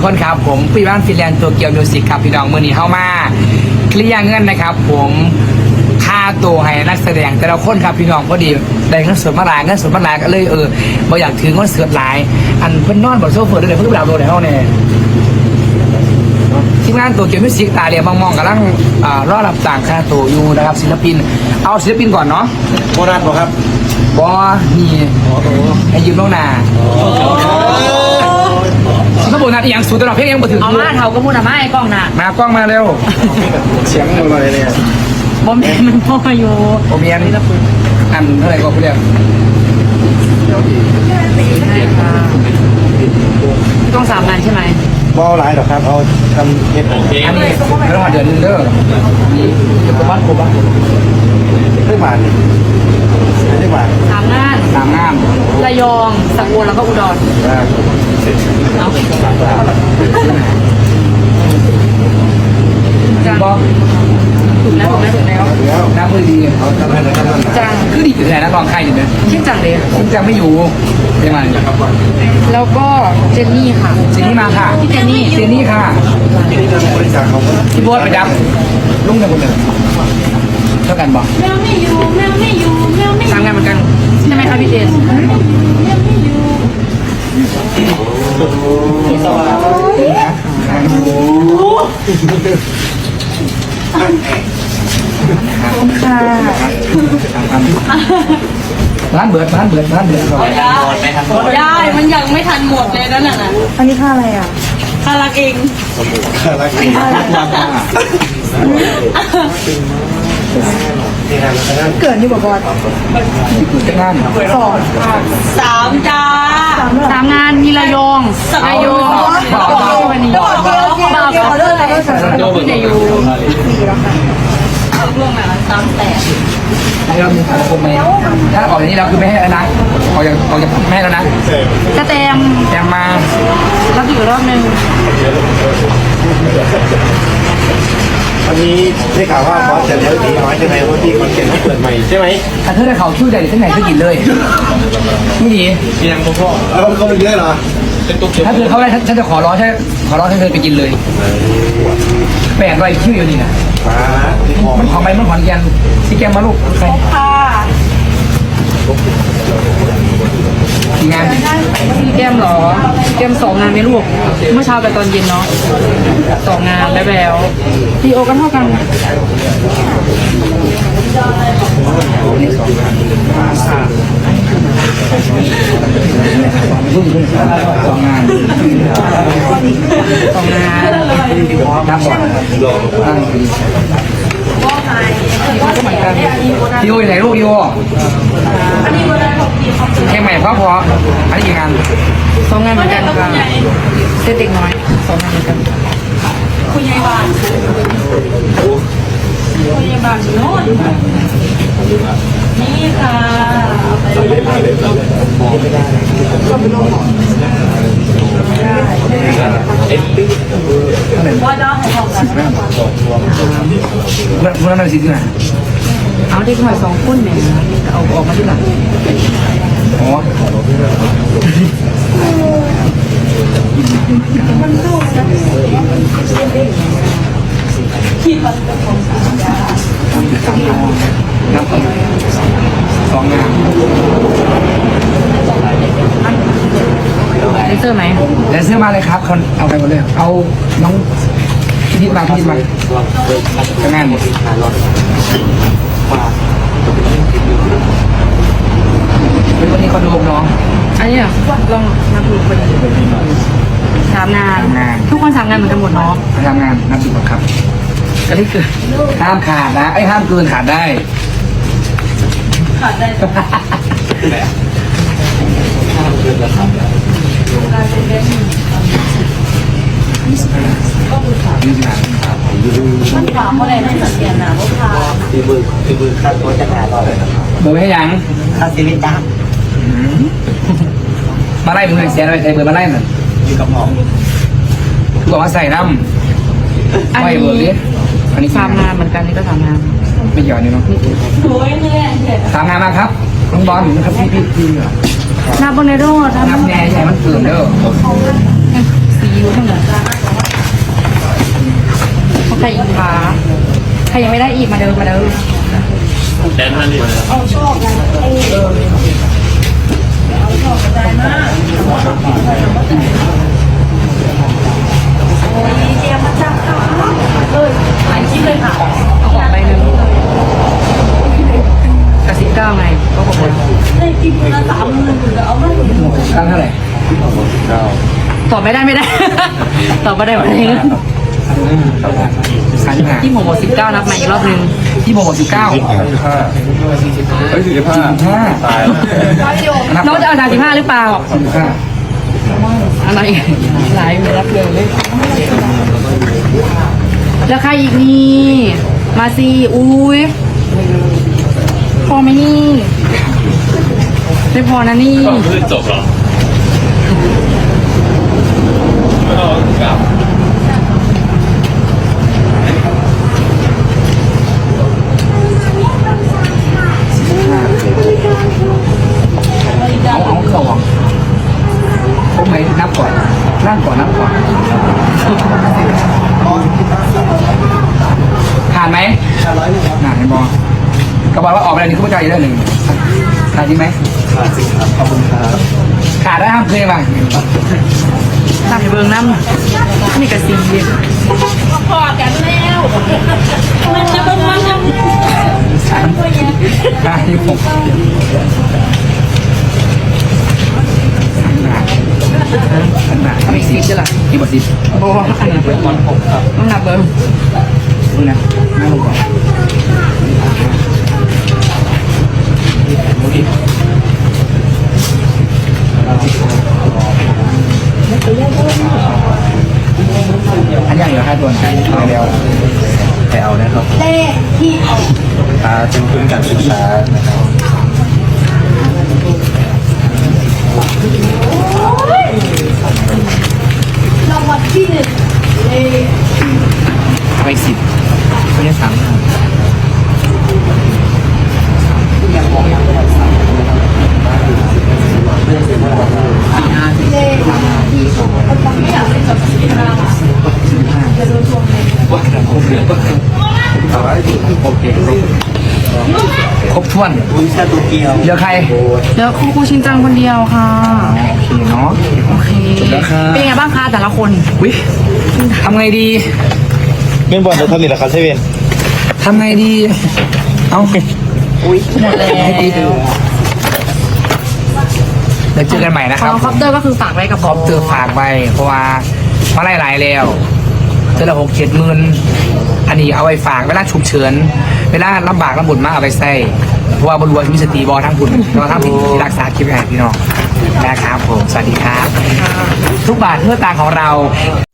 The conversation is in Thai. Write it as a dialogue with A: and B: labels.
A: กคนครับผมพี่บ้านฟินแลนด์ตัวเกียวมิวสิกครับพี่น้องมือนี้เข้ามาเคลียร์เงินนะครับผมค่าตัวให้นักแสดงแต่ละคนครับพี่น้องพอดีได้เงินสดมาหลายเงินสดมาหลายก็เลยบ่อยากถือเงินสดหลายอันเพิ่นนอนบนโซฟาด้วยเพิ่นไปดาวโดนในห้องเนี่ยทีมงานตัวเกียวมิวสิกตาเรียมองๆกำลังรอรับต่างค่าตัวอยู่นะครับศิลปินเอาศิลปินก่อนเนาะ
B: โบนัสบอกครับ
A: บอนี่ให้ยืมน้องนาถ้าโบนัสอีกอย่างสูตรตลอดเพลงยังบ่ถึง
C: เอามาเท่าก็พูดนะมาไอ้กล้องน่ะ
A: มากล้องมาเร็ว
B: เสียงอะไรเนี่ย
C: บอมมันพ่ออยู่
A: ผมเมียนอันเท่าไหร่ก็เรียก
C: ใช่ค่ะต้อง3 งานใช่ไหม
B: บอลหลายหรอกครับเอาทำเฮ็ด
A: อันนี้เรื่องเดือนนึงเด้อนี่จะประมาณครบอ่ะ
B: เรื่องบาทเรื่องบาท
C: 3 งาน
A: 3 งาน
C: ระยองสกลแล้วก็อุดรเอาจัง
A: บอก
C: ถูกแล้ว
B: แล้ว
A: น้ำมือดี
B: เอาทำให้นะครับ
C: จัง
A: คือดีอยู่ไหนนักร้องใครอยู่เนี่ย
C: ชื่อจังเลย
A: ผมจะไม่อยู่ยังไง
C: แล้วก็เจนนี่ค่ะ
A: เจนนี่มาค่ะ
C: พี่เจนนี่
A: เจนนี่ค่ะ
B: ที่นี่บริจาคเขา
A: พี่โบ๊ทไปดับลุงเดียวกันเลยเท่ากันบอก
C: 3 งานเหมือนกันใช่ไหมคะพี่เจนค่ะ
A: ร้านเบิร์ดก่อน
C: ได้มันยังไม่ทันหมดเลยนั่นน่ะ
D: อันนี้ค่าอะไรอ่ะ
C: คารักเอง
B: รักดีนี่ครับแล้ว
D: เกิดนี่บอกว่า
A: จะงาน
D: 2
C: 3 จ้า3 งานมีระยองระยองวันนี้บอกเขาเลิกแล้วพี่จะอยู่ร่วงมา3 แต่
A: ให้เรามีสังคมไหมถ้าออกอย่างนี้เราคือไม่ให้แล้วนะออกจากไม่ให้แล้วนะ
C: กระเตม
A: แจมมา
C: รับอีกรอบนึง
B: วันนี้ได้ข่าวว่าบอสจะเลี้ยวหนีน้อยใช่ไหมว่าที่คอนเทนต์เขาเปิดใหม่ใช่ไหม
A: ถ้าเธอได้เขาช่วยใดที่ไหนก็กินเลยไม่ดี
B: ยังพ่อเขาเป็นเยอะเหรอ
A: ถ้าเธอเขาได้ฉันจะขอร้องให้เธอไปกินเลย800 คิวอยู่นี่นะ
B: มาที่คอ
A: มันของไปมันขอนแกนที่แกมมาลูกใคร
C: ค่ะ
A: กี่งาน
C: แก้มเหรอแก้ม2 งานไหมลูกเมื่อเช้าไปตอนเย็นเนาะ2 งานแล้วพี่โอกันเท่ากัน
A: 2 งาน
C: 2 งาน
A: นับก่อนพี่โออยู่ไหนลูกพี่โอแค่ใหม่เพราะอันนี้กี่งาน
C: 2 งานเหมือนกันค่ะเด็กน้อย2 งานเหมือนกันคุณยายบ้านโน่นนี่ค่ะว่าน้องให้ของกัน
A: เมื่อนั้นสิที่ไหน
C: เอาเด็กหน่อย2 คนเนี่ยเอาออกมาที่หลัง
A: อ๋อนับ2 งาน
C: เลเซอร์ไหม
A: แดนเซอร์มาเลยครับคนเอาไปหมดเลยเอาน้องพิธิมาทำงานหมดเป็นวันนี้เขาดูน้อง
C: อันนี้ลองนับดูคน3 งานทุกคน3 งานเหมือนกันหมดเนาะ
A: ทำงานนับดูก่อนครับก็นี่คือห้ามขาดนะไอ้ห้ามเกินขาดได้
C: ขาดได้
A: นี่สิครับ
C: มันขวาเพราะอะไรไม่สังเกตนะว่าขา
B: คือมือคาดตัวจะหาเราเลยครับ
A: เบอร์ให้ยัง
B: ค่าชีวิตจ้า
A: มาไล่มึงเลยเสียอะไรใครเบอร์มาไล่หน่อย
B: อยู่กับหมอ
A: คือบอกว่าใส่น้ำไม่เบอร์ดิอันนี้
C: 3 งานเหมือนกันนี่ก็3 งาน
A: ไม่หย่อนนี่เนาะ
C: โอ้ยเหนื่อย
A: 3 งานมาครับน้องบอลนะครับพี่
C: นับบนในโรด
A: นับแน่ใช่มันเกินเด้อ
C: ซีอิ๊วทั้งหมดเขาใครอีกคะใครยังไม่ได้อีกมาเดินมาเดิน
E: แดนมันนี่
C: หลายชิ้นเลยค่ะเอาออกไปหนึ่งกระซิบเก้าไงก็บอกว่า
A: ครั้งเท่าไหร่
C: ตอบไม่ได้ ตอบไม่ได้หมดเลย
A: ครั้งที่ห้า
C: ที่หมด19นับมาอีกรอบนึง
A: ที่โมง19
B: เฮ้ย45ตายแล้ว
C: น้องจะเอา35หรือเปล่า
A: 45
C: อะไรหลายไม่รับเลยแล้วใครอีกนี่มาสิอุ้ยพอไหมนี่ไม่พอนะนี่
E: คือจบเหรอไม่เอากลับ
A: เอาเข้าหวังผมไหนนับก่อนนั่งก่อนนับก่อนผ่านไหมผ่านไหมบอกระบอกว่าออกไปแล้วนี่คุณผู้ชายเรื่องหนึ่งขาดจริงไหม
B: ขาดสิครับขอบคุณครับ
A: ขาดได้ห้ามเพลงบ้าง
C: ทำให้เบิ้งน้ำนี่กระสีพอกันแล้วมันจะเป็นมัน
A: ได้ที่ผมขนาดไม่สิบใช่หรอที่บทสิบ
C: โอ้อันนั้นเป็นคนผมครับน้ำหนักเบิ้ง
A: มึงนะนั่งลงก่อนอันยังเหลือ5ตัวนะเอาแล้ว
B: ไปเอานะครับเป็นทุนการศึกษานะครับ
A: ไป10ไม่ได้3โอเคครบถ้วน
B: คุณชาตูเกียว
A: เหลือใคร
C: เดี๋ยวครูชินจังคนเดียวค่ะ
A: โอเคเนาะ
C: โอเค
A: แล้วครับ
C: เป็นไงบ้างคะแต่ละคน
A: วิทำไงดี
B: เป็นบอลจะทำนี่แหละครับเซเว่น
A: ทำไงดี เอาอุ้ยหมดแล้วให้ตีดูเดี๋ยวเจอกันใหม่นะ
C: ข
A: ค
C: อ
A: รับ
C: งคอปเตอร์ก็คือฝากไว้กับ
A: คอปเตอร์ฝากไปเพราะว่ามาหลายๆแล้วเจอละ6-7 หมื่นอันนี้เอาไปฝากเวลาฉุกเฉินเวลาลำบากลำบุญมากเอาไปใส่เพราะว่าบรรลุมีสติบอทั้งบุญแล้วทั้งที่รักษาคลิปให้พี่น้องนะครับผมสวัสดีครับ ทุกบาทเพื่อตางของเรา